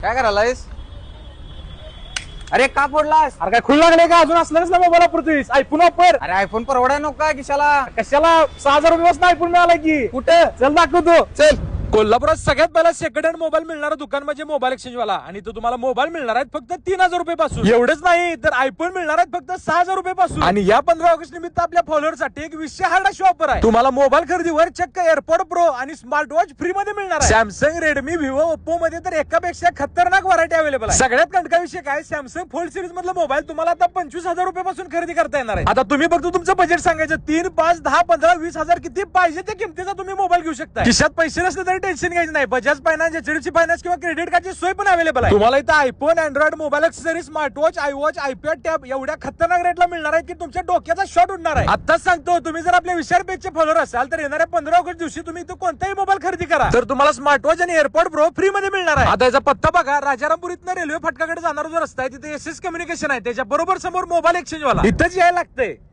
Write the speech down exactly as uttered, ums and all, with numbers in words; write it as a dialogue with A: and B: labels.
A: काय करायलायस? अरे का फोडलास?
B: अरे काय खुल लागले का अजून असणारच ना मोबाईल वापरतोयस आयफोन वापर.
A: अरे आयफोन परवडाय नको का किशाला?
B: कशाला सहा हजार रुपये आयफोन मिळाला की.
A: कुठं?
B: चल दाखवतो.
A: चल.
B: कोल्हापुरात सगळ्यात पहिला सेकंड हँड मोबाईल मिळणारा दुकान म्हणजे मोबाईल एक्सचेंज वाला. आणि तो तुम्हाला मोबाईल मिळणार आहेत फक्त तीन हजार रुपये पासून. एवढंच नाही तर आयफोन मिळणार आहेत फक्त सहा हजार रुपये पासून. आणि या पंधरा ऑगस्ट निमित्त आपल्या फॉलोअर साठी एक विशेष हार्ड अशी ऑफर आहे. तुम्हाला मोबाईल खरेदीवर चक्क एअरपॉड प्रो आणि स्मार्ट वॉच फ्री मध्ये मिळणार आहे. सॅमसंग, रेडमी, व्हिवो, ओप्पो मध्ये तर एकापेक्षा खतरनाक व्हरायटी अवेलेबल आहे. सगळ्यात कंटका विषय काय, सॅमसंग फोल्ड सिरीज मधला मोबाईल तुम्हाला आता पंचवीस हजार रुपये पासून खरेदी करता येणार आहे. आता तुम्ही फक्त तुमचं बजेट सांगायचं, तीन पाच दहा पंधरा वीस हजार किती पाहिजे त्या किमतीचा तुम्ही मोबाईल घेऊ शकता. खिशात पैसे नसले तरी टेन्शन घ्यायचं नाही. बजाज फायनान्स, एचडीएफसी फायनान्स किंवा क्रेडिट कार्डची सोय पण अवेलेबल आहे. तुम्हाला इथं iPhone, Android mobile accessory, smart watch, iWatch, iPad tab एवढ्या खतरनाक रेटला मिळणार आहे की तुमच्या डोक्याचा शॉट उडणार आहे. आताच सांगतो, तुम्ही जर आपल्या विशाल पेजचे फॉलोअर असाल तर येणाऱ्या पंधरा ऑगस्ट दिवशी तुम्ही इथं कोणताही मोबाईल खरेदी करा तर तुम्हाला स्मार्ट वॉच आणि एअरपॉड प्रो फ्री मध्ये मिळणार आहे. आता याचा पत्ता बघा, राजारामपूर इथनं रेल्वे फाटकाकडे जाणारा जो रस्ता आहे तिथे एस एस कम्युनिकेशन आहे, त्याच्या बरोबर समोर मोबाईल एक्सचेंज वाला. इथंच यायला लागतंय.